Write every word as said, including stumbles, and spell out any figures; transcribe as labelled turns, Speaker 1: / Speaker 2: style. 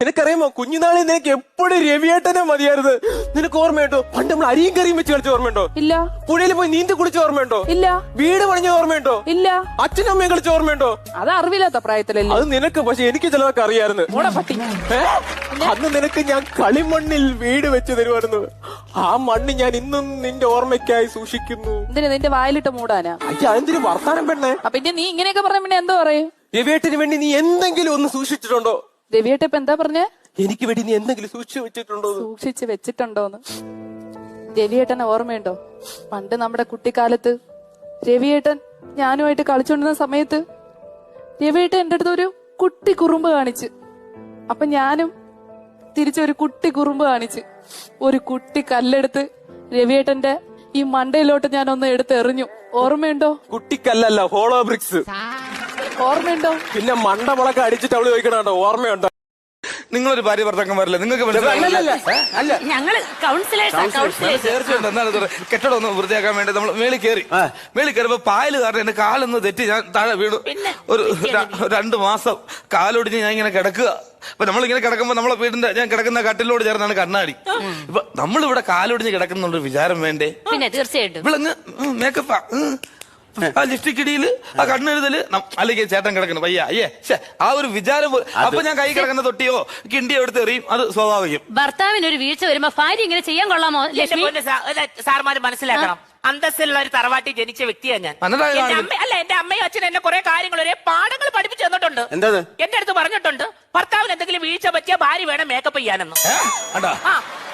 Speaker 1: നിനക്കറിയാമോ കുഞ്ഞുനാളിൽ നിനക്ക് എപ്പോഴും രവിയേട്ടനെ മതിയായിരുന്നു. നിനക്ക് ഓർമ്മയുണ്ടോ പണ്ട് നമ്മൾ അരിയും കറിയും വെച്ച് കളിച്ച ഓർമ്മയുണ്ടോ?
Speaker 2: ഇല്ല.
Speaker 1: പുഴയിൽ പോയി നീന്തി കുളിച്ച ഓർമ്മയുണ്ടോ?
Speaker 2: ഇല്ല.
Speaker 1: വീട് പണിഞ്ഞ ഓർമ്മയുണ്ടോ?
Speaker 2: ഇല്ല.
Speaker 1: അച്ഛനും അമ്മയും കളിച്ച ഓർമ്മയുണ്ടോ?
Speaker 2: അത് അറിവില്ലാത്ത പ്രായത്തിലല്ലേ.
Speaker 1: അത് നിനക്ക്, പക്ഷെ എനിക്ക് ചിലതൊക്കെ അറിയായിരുന്നു.
Speaker 2: പട്ടി
Speaker 1: അന്ന് നിനക്ക് ഞാൻ കളിമണ്ണിൽ വീട് വെച്ച് തരുമായിരുന്നു. ആ മണ്ണ് ഞാൻ ഇന്നും നിന്റെ ഓർമ്മയ്ക്കായി സൂക്ഷിക്കുന്നു.
Speaker 2: എന്തിനാ നിന്റെ വായിലിട്ട് മൂടാനാ?
Speaker 1: അയ്യ അതെന്തിനു വർത്താനം പെണ്ണേ?
Speaker 2: പിന്നെ നീ ഇങ്ങനെയൊക്കെ പറഞ്ഞ പിന്നെ എന്തോ പറയും?
Speaker 1: രവിയേട്ടന് വേണ്ടി നീ എന്തെങ്കിലും ഒന്ന് സൂക്ഷിച്ചിട്ടുണ്ടോ?
Speaker 2: രവിയേട്ട ഇപ്പൊ എന്താ പറഞ്ഞേ?
Speaker 1: എനിക്ക് വേണ്ടി നീ എന്തെങ്കിലും സൂക്ഷിച്ചു വെച്ചിട്ടുണ്ടോ?
Speaker 2: സൂക്ഷിച്ച് വെച്ചിട്ടുണ്ടോന്ന്. രവിയേട്ടനെ ഓർമ്മയുണ്ടോ? പണ്ട് നമ്മുടെ കുട്ടിക്കാലത്ത് രവിയേട്ടൻ ഞാനുമായിട്ട് കളിച്ചോണ്ടിരുന്ന സമയത്ത് രവിയേട്ടൻ എന്റെ അടുത്ത് ഒരു കുട്ടി കുറുമ്പ് കാണിച്ച്. അപ്പൊ ഞാനും തിരിച്ചൊരു കുട്ടി കുറുമ്പ് കാണിച്ച് ഒരു കുട്ടി കല്ലെടുത്ത് രവിയേട്ടന്റെ ഈ മണ്ടയിലോട്ട് ഞാൻ ഒന്ന് എടുത്ത് എറിഞ്ഞു. ഓർമ്മയുണ്ടോ?
Speaker 1: കുട്ടിക്കല്ലല്ല, ഹോളോ ബ്രിക്സ്.
Speaker 2: ഓർമ്മയുണ്ടോ?
Speaker 1: പിന്നെ മണ്ടമുളക്കെ അടിച്ചിട്ട് അവള് ചോദിക്കണോ ഓർമ്മയുണ്ടോ?
Speaker 3: നിങ്ങളൊരു ഭാര്യ ഭർത്താക്കന്മാരല്ലേ, നിങ്ങൾക്ക്
Speaker 4: ഞങ്ങള്
Speaker 3: കെട്ടിടം ഒന്ന് വൃത്തിയാക്കാൻ വേണ്ടി നമ്മൾ മേളിൽ കയറി മേളിൽ കയറിയപ്പോ പായല് കാരണം എന്റെ കാലൊന്ന് തെറ്റി ഞാൻ താഴെ വീണു. ഒരു രണ്ടു മാസം കാലൊടിഞ്ഞ് ഞാൻ ഇങ്ങനെ കിടക്കുക. അപ്പൊ നമ്മളിങ്ങനെ കിടക്കുമ്പോ നമ്മളെ വീടിന്റെ ഞാൻ കിടക്കുന്ന കട്ടിലോട് ചേർന്നാണ് കണ്ണാടി. ഇപ്പൊ നമ്മളിവിടെ കാലൊടിഞ്ഞ് കിടക്കുന്നുണ്ട് വിചാരം വേണ്ടേ?
Speaker 4: പിന്നെ തീർച്ചയായിട്ടും
Speaker 3: ഇവിളങ്ങ് മേക്കപ്പാ, ആ ലിപ്സ്റ്റിക് ഇടിയില്, ആ കണ്ണെഴുതല്, അല്ലെങ്കിൽ ചേട്ടൻ കിടക്കണം വയ്യ അയ്യേ ആ ഒരു വിചാരം. അപ്പൊ ഞാൻ കൈ കിടക്കുന്ന തൊട്ടിയോ കിണ്ടിയോ എടുത്ത് എറിയും, അത് സ്വാഭാവികം.
Speaker 4: ഭർത്താവിന് ഒരു വീഴ്ച വരുമ്പോ ഭാര്യ ഇങ്ങനെ ചെയ്യാൻ കൊള്ളാമോ? ലക്ഷ്മി
Speaker 5: സാർമാര് മനസ്സിലാക്കണം, അന്തസ്സിലുള്ള ഒരു തറവാട്ടി ജനിച്ച വ്യക്തിയാണ് ഞാൻ. എന്റെ അമ്മ അല്ല എന്റെ അമ്മയും അച്ഛനും എന്നെ കുറെ കാര്യങ്ങൾ ഒരേ പാഠങ്ങൾ പഠിപ്പിച്ചു തന്നിട്ടുണ്ട്. എന്റെ അടുത്ത് പറഞ്ഞിട്ടുണ്ട് ഭർത്താവിന് എന്തെങ്കിലും വീഴ്ച പറ്റിയ ഭാര്യ വേണം മേക്കപ്പ് ചെയ്യാനെന്ന്. ആ